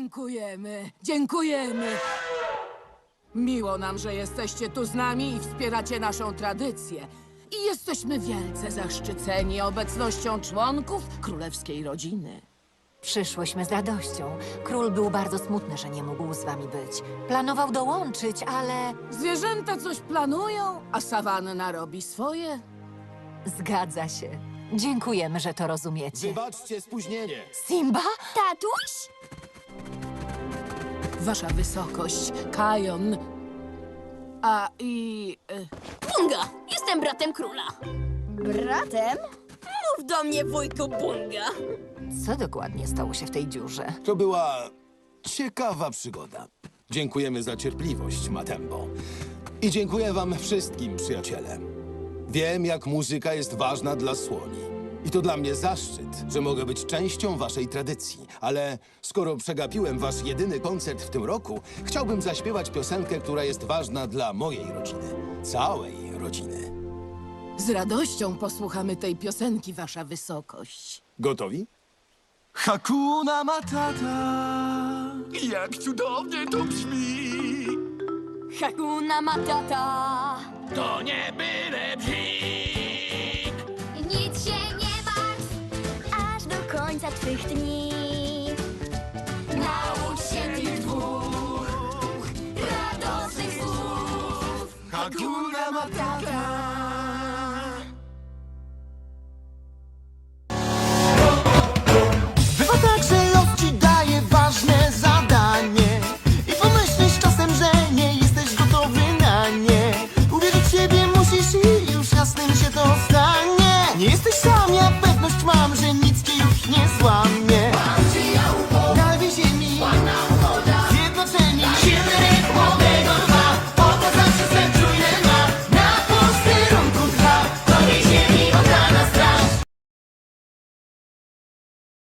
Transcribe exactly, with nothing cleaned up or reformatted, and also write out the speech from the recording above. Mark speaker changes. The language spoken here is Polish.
Speaker 1: Dziękujemy, dziękujemy. Miło nam, że jesteście tu z nami i wspieracie naszą tradycję. I jesteśmy wielce zaszczyceni obecnością członków królewskiej rodziny.
Speaker 2: Przyszłyśmy z radością. Król był bardzo smutny, że nie mógł z wami być. Planował dołączyć, ale...
Speaker 1: Zwierzęta coś planują, a sawanna robi swoje.
Speaker 2: Zgadza się. Dziękujemy, że to rozumiecie.
Speaker 3: Wybaczcie spóźnienie.
Speaker 2: Simba?
Speaker 4: Tatuś?
Speaker 1: Wasza wysokość, Kajon. A i... y,
Speaker 4: Bunga! Jestem bratem króla. Bratem? Mów do mnie, wujku Bunga.
Speaker 2: Co dokładnie stało się w tej dziurze?
Speaker 3: To była ciekawa przygoda. Dziękujemy za cierpliwość, Matembo. I dziękuję wam wszystkim, przyjaciele. Wiem, jak muzyka jest ważna dla słoni. I to dla mnie zaszczyt, że mogę być częścią waszej tradycji. Ale skoro przegapiłem wasz jedyny koncert w tym roku, chciałbym zaśpiewać piosenkę, która jest ważna dla mojej rodziny. Całej rodziny.
Speaker 1: z radością posłuchamy tej piosenki, wasza wysokość.
Speaker 3: Gotowi?
Speaker 5: Hakuna Matata. Jak cudownie to brzmi.
Speaker 4: Hakuna Matata.
Speaker 5: To nie byle bzik.
Speaker 4: Nic się nie martw, aż do końca twych dni. Naucz się tych dwóch radosnych słów.
Speaker 5: Hakuna Matata.